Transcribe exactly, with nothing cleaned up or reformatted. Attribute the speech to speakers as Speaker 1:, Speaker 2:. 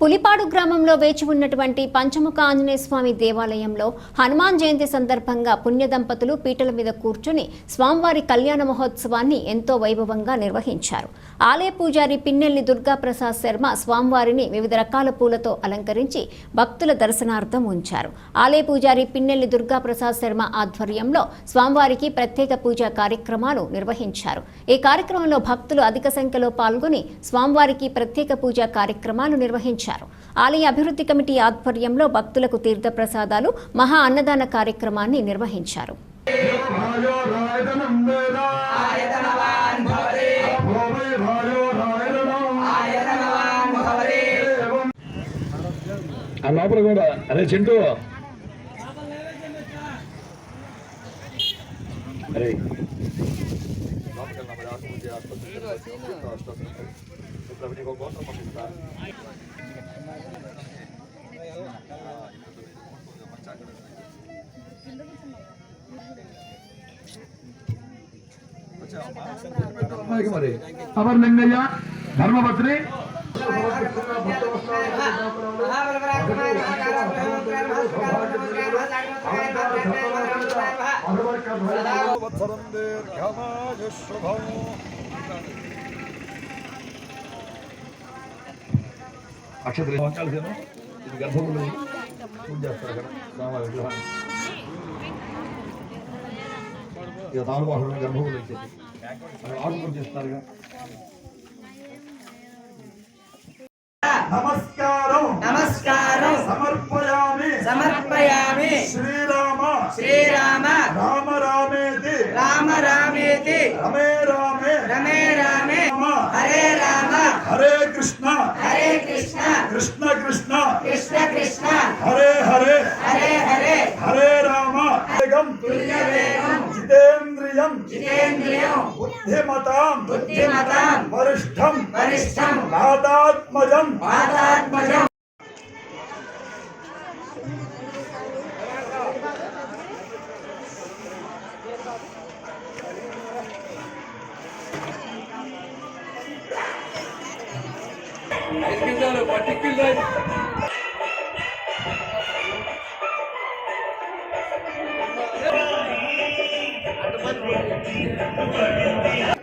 Speaker 1: పులిపాడు గ్రామంలో వేచి ఉన్నటువంటి పంచముఖ ఆంజనేయ స్వామి దేవాలయంలో హనుమాన్ జయంతి సందర్భంగా పుణ్య దంపతులు పీటల మీద కూర్చుని స్వామివారి కళ్యాణ మహోత్సవాన్ని ఎంతో వైభవంగా నిర్వహించారు. ఆలయ పూజారి పిన్నెల్లి దుర్గాప్రసాద్ శర్మ స్వామివారిని వివిధ రకాల పూలతో అలంకరించి భక్తుల దర్శనార్థం ఉంచారు. ఆలయ పూజారి పిన్నెల్లి దుర్గాప్రసాద్ శర్మ ఆధ్వర్యంలో స్వామివారికి ప్రత్యేక పూజా కార్యక్రమాలు నిర్వహించారు. ఈ కార్యక్రమంలో భక్తులు అధిక సంఖ్యలో పాల్గొని స్వామివారికి ప్రత్యేక పూజా కార్యక్రమాలు నిర్వహించారు. ఆలయ అభివృద్ధి కమిటీ ఆధ్వర్యంలో భక్తులకు తీర్థ ప్రసాదాలు, మహా అన్నదాన కార్యక్రమాన్ని నిర్వహించారు.
Speaker 2: अमर लिंगय्य धर्मपत्नी అక్షత్ర ఇది గర్భగుడి పూజ చేస్తారు అక్కడ స్వామివారి విగ్రహాన్ని ఇక తానుబాహుడు గర్భగుడి వచ్చేసి ఆకు పూజ చేస్తారుగా. నమస్కారం
Speaker 3: నమస్కారం
Speaker 2: సమర్పయామి
Speaker 3: సమర్పయామి
Speaker 2: శ్రీరామ
Speaker 3: శ్రీరామ
Speaker 2: రామ రామేతి
Speaker 3: రామ రామేతి
Speaker 2: రమే రామే
Speaker 3: రమే రామే హరే రామ
Speaker 2: హరే కృష్ణ
Speaker 3: హరే కృష్ణ
Speaker 2: కృష్ణ కృష్ణ
Speaker 3: కృష్ణ కృష్ణ
Speaker 2: హరే హరే
Speaker 3: హరే హరే
Speaker 2: హరే రామ వేగం
Speaker 3: తుల్య వేగం
Speaker 2: జితేంద్రియం
Speaker 3: జితేంద్రియం
Speaker 2: బుద్ధిమతాం
Speaker 3: బుద్ధిమతాం
Speaker 2: వరిష్ఠం
Speaker 3: వరిష్ఠం
Speaker 2: వాతాత్మజం
Speaker 3: వాతాత్మజం
Speaker 2: పట్టికిల్